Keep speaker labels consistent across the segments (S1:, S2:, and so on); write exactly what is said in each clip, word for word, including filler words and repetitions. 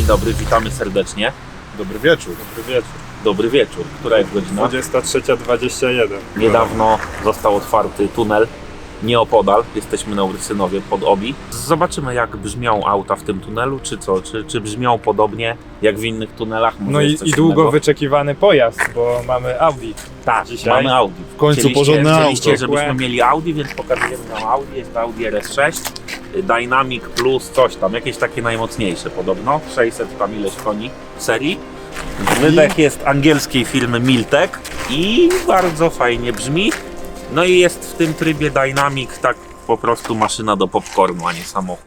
S1: dobry, witamy serdecznie.
S2: Dobry wieczór.
S3: Dobry wieczór.
S1: Dobry wieczór. Która jest godzina?
S3: dwudziesta trzecia dwadzieścia jeden.
S1: Niedawno został otwarty tunel nieopodal. Jesteśmy na Ursynowie pod Obi. Zobaczymy, jak brzmią auta w tym tunelu, czy co? Czy, czy brzmią podobnie jak w innych tunelach? Może
S3: No
S1: jest
S3: i,
S1: coś
S3: i długo
S1: innego?
S3: wyczekiwany pojazd, bo mamy Audi.
S1: Tak,
S3: dzisiaj.
S1: mamy Audi.
S2: W końcu
S1: Chcieliście,
S2: porządne
S1: chcieliście,
S2: auto.
S1: żebyśmy mieli Audi, więc pokazujemy nam Audi. Jest to Audi R S sześć, Dynamic Plus, coś tam, jakieś takie najmocniejsze podobno. sześćset tam ileś koni w serii. Wydech jest angielskiej firmy Miltek i bardzo fajnie brzmi. No i jest w tym trybie Dynamic, tak po prostu maszyna do popcornu, a nie samochód.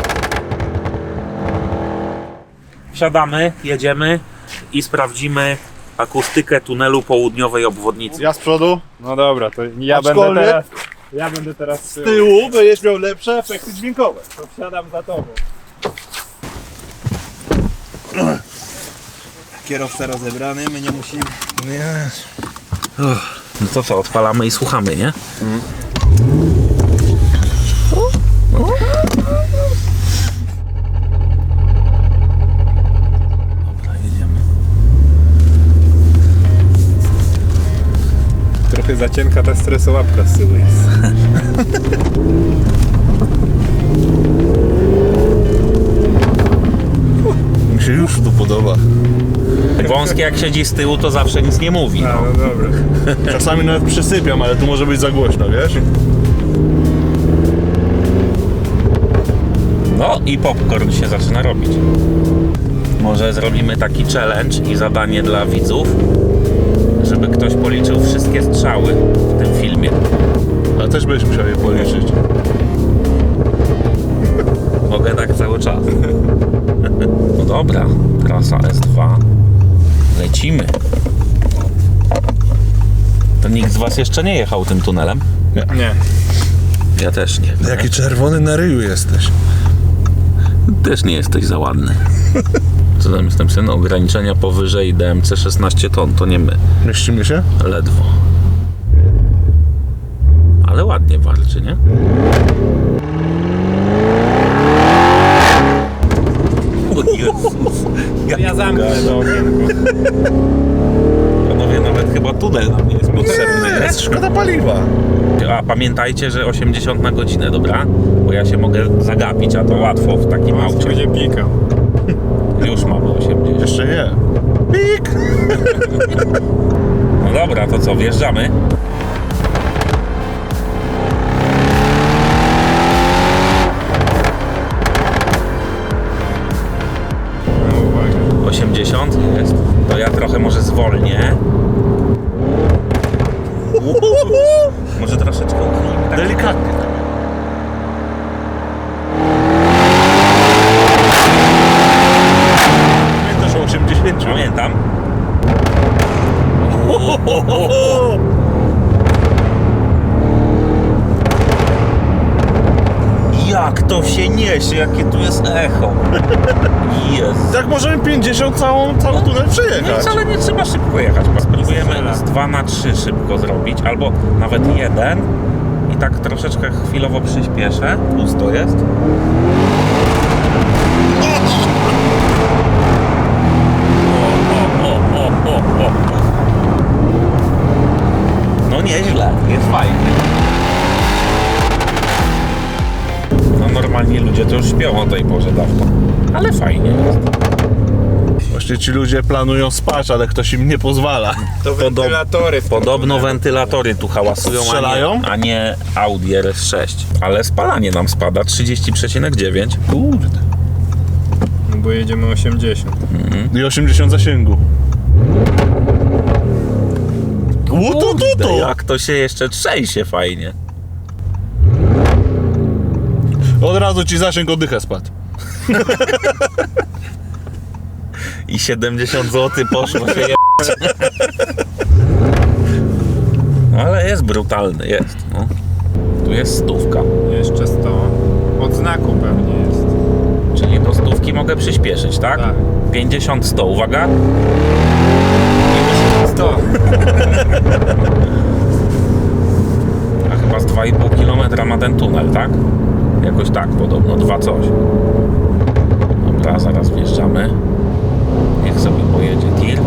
S1: Wsiadamy, jedziemy i sprawdzimy akustykę tunelu południowej obwodnicy.
S2: Ja z przodu,
S3: No dobra, to ja będę
S2: Aczkolwiek-
S3: teraz. Ja będę teraz z
S2: z
S3: tyłu.
S2: tyłu będziesz miał lepsze efekty dźwiękowe.
S3: To wsiadam za tobą.
S4: Kierowca rozebrany, my nie musimy.
S1: No to co, odpalamy i słuchamy, nie? Dobra, jedziemy.
S3: Trochę za cienka ta stresołapka z tyłu jest.
S2: Mi się już tu podoba.
S1: Wąskie jak siedzi z tyłu, to zawsze nic nie mówi.
S3: A,
S1: No.
S3: no dobra.
S2: Czasami nawet przysypiam, ale tu może być za głośno, wiesz?
S1: No i popcorn się zaczyna robić. Może zrobimy taki challenge i zadanie dla widzów, żeby ktoś policzył wszystkie strzały w tym filmie.
S2: Ale też będziesz musiał je policzyć.
S1: Mogę tak cały czas. No dobra, trasa S dwa. Lecimy. To nikt z was jeszcze nie jechał tym tunelem?
S3: Nie.
S1: Ja też nie.
S2: Jaki czerwony na ryju jesteś.
S1: Też nie jesteś za ładny. Co tam jest napisane? Ograniczenia powyżej D M C szesnaście ton, to nie my.
S2: Mieścimy się?
S1: Ledwo. Ale ładnie walczy, nie? O Jezus.
S3: Ja zamknę to okienko.
S1: Panowie, nawet chyba tunel nam nie jest potrzebny.
S2: Jest szkoda paliwa.
S1: A pamiętajcie, że osiemdziesiąt na godzinę, dobra? Bo ja się mogę zagapić, a to łatwo w takim
S3: Most
S1: aucie.
S3: będzie pikał.
S1: Już mamy osiemdziesiąt.
S2: Jeszcze nie. Pik!
S1: No dobra, to co, wjeżdżamy?
S3: No uwaga.
S1: osiemdziesiąt jest. To ja trochę może zwolnię. Może troszeczkę uchylimy. Tak.
S2: Delikatnie. Pamiętasz o osiemdziesięciu?
S1: Pamiętam. Jak to się niesie, jakie tu jest echo. Jezu.
S2: Tak możemy pięćdziesiąt całą, cały tunel
S1: No
S2: przejechać.
S1: wcale nie trzeba szybko jechać. Spróbujemy z dwa na trzy szybko zrobić, albo nawet jeden i tak troszeczkę chwilowo przyspieszę. Pusto jest. O, o, o, o, o, o. No nieźle, jest fajnie. No normalnie ludzie to już śpią o tej porze dawno, ale fajnie jest.
S2: Właśnie ci ludzie planują spać, ale ktoś im nie pozwala.
S3: To wentylatory. w tym
S1: Podobno
S3: tunelu.
S1: wentylatory tu hałasują,
S2: Strzelają?
S1: a nie, a nie Audi R S sześć. Ale spalanie nam spada trzydzieści przecinek dziewięć.
S2: Kurde.
S3: No bo jedziemy osiemdziesiąt.
S2: I osiemdziesiąt zasięgu. Łutu, tu, tu.
S1: Jak to się jeszcze trzęsie fajnie.
S2: Od razu ci zasięg oddycha spadł.
S1: I siedemdziesiąt złotych poszło się je... No ale jest brutalny, jest. No. Tu jest stówka.
S3: Jeszcze sto. Od znaku pewnie jest.
S1: Czyli do stówki mogę przyspieszyć, tak?
S3: Tak.
S1: pięćdziesiąt sto, uwaga.
S3: sto.
S1: A chyba z dwa i pół kilometra ma ten tunel, tak? Jakoś tak podobno, dwa coś. Dobra, zaraz wjeżdżamy. Niech sobie pojedzie tir.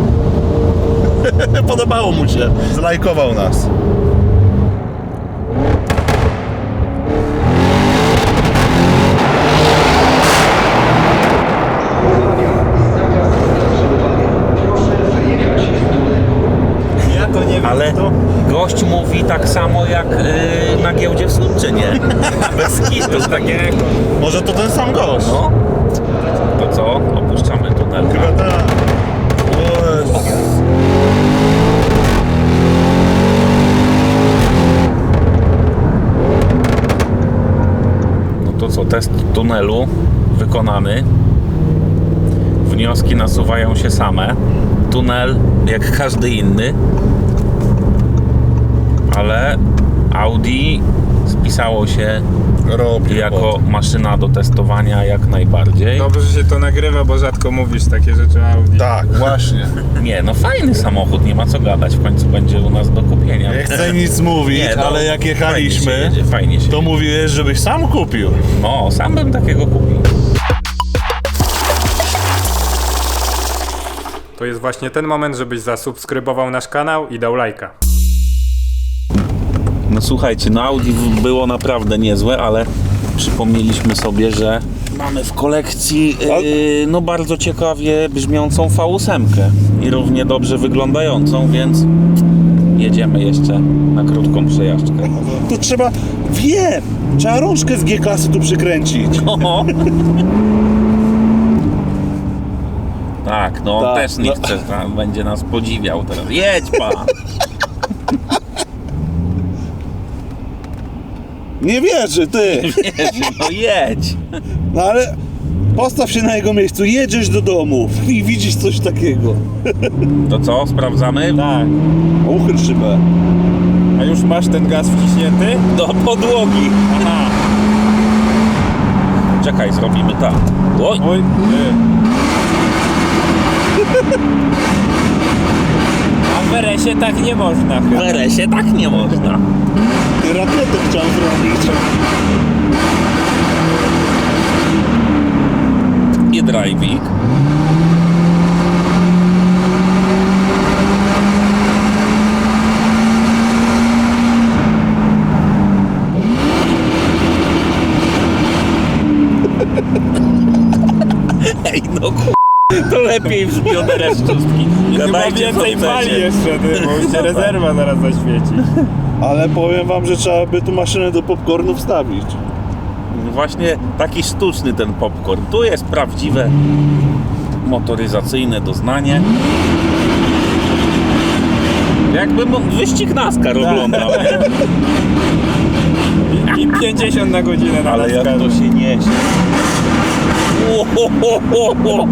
S2: Podobało mu się. Zlajkował nas.
S3: Ja to nie wiem.
S1: Ale
S3: to...
S1: gość mówi tak samo jak yy, na giełdzie w Słupczynie. Bez kitu takiego.
S2: Może to ten sam gość.
S1: No. To co? Opuszczamy tunel.
S2: Chyba tak. O Jezus.
S1: No to co? Test tunelu wykonany. Wnioski nasuwają się same. Tunel jak każdy inny. Ale Audi spisało się
S2: Robi
S1: jako maszyna do testowania jak najbardziej.
S3: Dobrze, że się to nagrywa, bo rzadko mówisz takie rzeczy Audi.
S2: Tak, właśnie.
S1: Nie, no fajny samochód, nie ma co gadać, w końcu będzie u nas do kupienia.
S2: Nie chcę nic mówić,
S1: Nie, no,
S2: ale jak jechaliśmy,
S1: fajnie się jedzie, fajnie się
S2: to
S1: jedzie.
S2: mówiłeś, żebyś sam kupił.
S1: No, sam bym takiego kupił.
S3: To jest właśnie ten moment, żebyś zasubskrybował nasz kanał i dał lajka.
S1: No słuchajcie, no Audi w- było naprawdę niezłe, ale przypomnieliśmy sobie, że mamy w kolekcji yy, no bardzo ciekawie brzmiącą V osiem i równie dobrze wyglądającą, więc jedziemy jeszcze na krótką przejażdżkę.
S2: To trzeba, wiem, trzeba rączkę z G-klasy tu przykręcić.
S1: O! Tak, no on
S2: Tak,
S1: też nie
S2: no.
S1: chce, tam będzie nas podziwiał teraz. Jedź pan!
S2: Nie wierzy, ty.
S1: No jedź!
S2: No ale postaw się na jego miejscu, jedziesz do domu i widzisz coś takiego.
S1: To co, sprawdzamy?
S3: Tak.
S2: Uchyl szybę.
S3: A już masz ten gaz wciśnięty?
S1: Do podłogi!
S3: Aha.
S1: Czekaj, zrobimy tak. Oj!
S3: Oj, ty. A w R S-ie tak nie można
S1: W
S3: chyba.
S1: R S-ie tak nie można.
S2: Rakietę chciałem zrobić.
S1: I driving. Ej, no ku... To lepiej brzmi od R S szóstki.
S3: Chyba
S1: Gadajcie,
S3: więcej
S1: co
S3: pali
S1: chcecie.
S3: jeszcze, ty, bo już się rezerwa zaraz zaświeci.
S2: Ale powiem wam, że trzeba by tu maszynę do popcornu wstawić.
S1: Właśnie taki sztuczny ten popcorn. Tu jest prawdziwe motoryzacyjne doznanie. Jakbym wyścig NASCAR oglądał, nie?
S3: I pięćdziesiąt na godzinę na
S1: Ale jak
S3: NASCAR.
S1: to się niesie. O, ho, ho, ho, ho.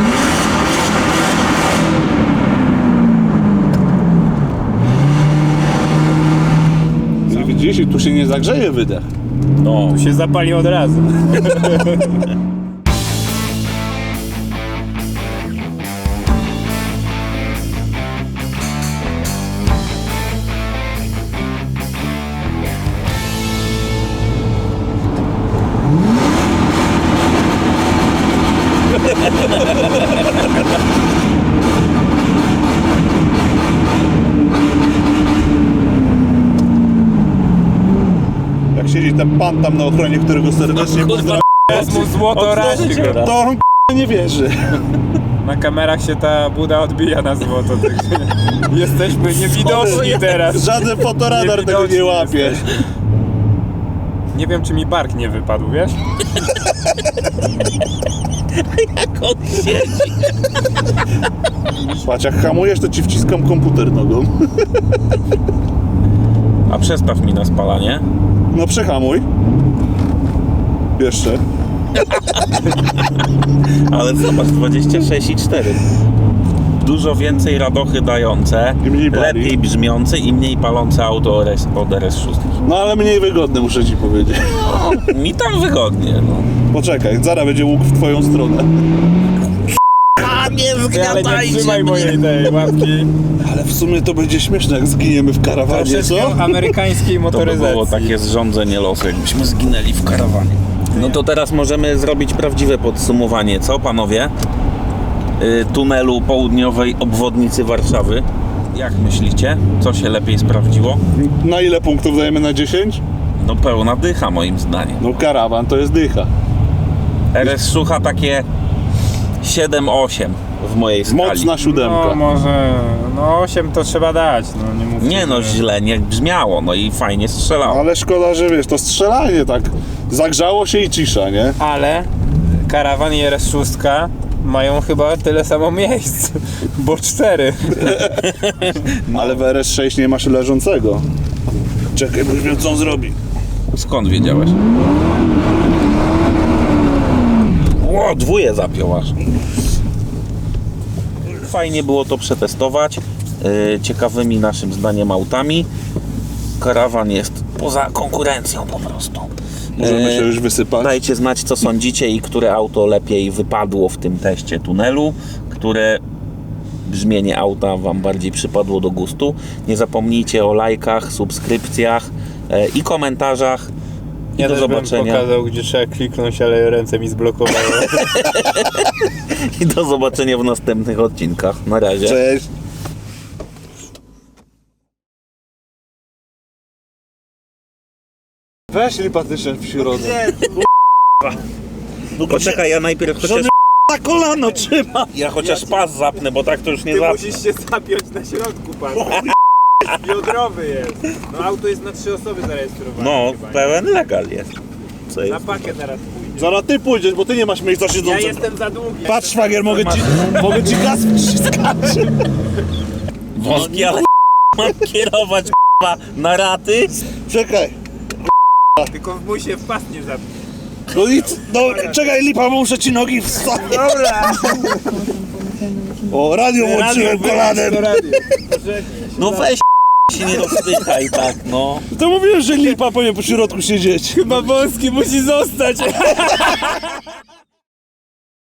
S2: Widzisz, i tu się nie zagrzeje wydech.
S1: No,
S3: Tu się zapali od razu.
S2: Jak siedzi ten pan tam na ochronie, którego serdecznie
S1: kurwa,
S2: pozdrawiam,
S3: Jest mu złoto razi go.
S2: to on k***a nie wierzy.
S3: Na kamerach się ta buda odbija na złoto, także jesteśmy niewidoczni teraz.
S2: Żaden fotoradar tego nie
S3: Niewidoczni
S2: łapie.
S3: jesteśmy. Nie wiem, czy mi bark nie wypadł, wiesz?
S1: jak on siedzi.
S2: Patrz, jak hamujesz, to ci wciskam komputer nogą.
S1: A przestaw mi na spalanie.
S2: No przehamuj. Jeszcze.
S1: Ale zobacz, dwadzieścia sześć i cztery. Dużo więcej radochy dające,
S2: I mniej pali.
S1: lepiej brzmiące i mniej palące auto od R S sześć.
S2: No ale mniej wygodne, muszę ci powiedzieć.
S1: Mi tam wygodnie, no.
S2: Poczekaj, zaraz będzie łuk w twoją stronę.
S1: A nie
S3: Ty, ale nie trzymaj mojej tej łapki.
S2: Ale w sumie to będzie śmieszne, jak zginiemy w karawanie, co?
S3: Troszeczkę amerykańskiej
S1: To by
S3: motoryzacji.
S1: było takie zrządzenie losu, jakbyśmy zginęli w karawanie. No to teraz możemy zrobić prawdziwe podsumowanie, co panowie? y, tunelu południowej obwodnicy Warszawy. Jak myślicie, co się lepiej sprawdziło?
S2: Na ile punktów dajemy na dziesięć?
S1: No pełna dycha moim zdaniem.
S2: No karawan to jest dycha.
S1: R S Szucha takie siedem osiem w mojej skali.
S2: Mocna siódemka.
S3: No może, no osiem to trzeba dać, no nie mówcie.
S1: Nie no,
S3: że-
S1: źle nie brzmiało, no i fajnie strzelało.
S2: Ale szkoda, że wiesz, to strzelanie tak zagrzało się i cisza, nie?
S3: Ale karawan i R S sześć mają chyba tyle samo miejsc, bo cztery.
S2: Ale w R S sześć nie masz leżącego. Czekaj, bo już wiem, co on zrobi.
S1: Skąd wiedziałeś? Ło, dwóje zapiął aż. Fajnie było to przetestować. Yy, ciekawymi naszym zdaniem autami. Karawan jest poza konkurencją po prostu.
S2: Możemy się
S1: Yy,
S2: już wysypać.
S1: Dajcie znać, co sądzicie i które auto lepiej wypadło w tym teście tunelu, które brzmienie auta Wam bardziej przypadło do gustu. Nie zapomnijcie o lajkach, subskrypcjach yy, i komentarzach. I
S3: Ja
S1: do
S3: też bym
S1: zobaczenia.
S3: pokazał, gdzie trzeba kliknąć, ale ręce mi zblokowały.
S1: I do zobaczenia w następnych odcinkach. Na razie.
S2: Cześć. Weź lipatyczne w środek.
S1: No poczekaj, ja najpierw chociaż,
S2: Na kolano trzyma.
S1: ja chociaż pas zapnę, bo tak to już nie zapnę.
S3: się zapiąć na środku, pan. Biodrowy jest. No auto jest na trzy osoby zarejestrowane.
S1: No,
S3: chyba, nie?
S1: pełen legal jest. Co
S3: Na
S1: jest?
S3: pakę teraz pójdzie.
S2: Zaraz ty pójdziesz, bo ty nie masz miejsca
S3: Ja
S2: siedzącego.
S3: jestem za długi.
S2: Patrz, szwagier, mogę ci, mogę ci gaz wciskać.
S1: Wąski, ale mam kierować k***a, na raty?
S2: Czekaj.
S3: Tylko w mój się w pas nie zapić.
S2: No i c- no, czekaj, lipa, bo muszę ci nogi wstawić.
S3: Dobra.
S2: O, radio włączyłem kolanem.
S1: No weź się nie rozpychaj tak, no.
S2: To mówiłem, że lipa powinien po środku siedzieć.
S3: Chyba wąski musi zostać.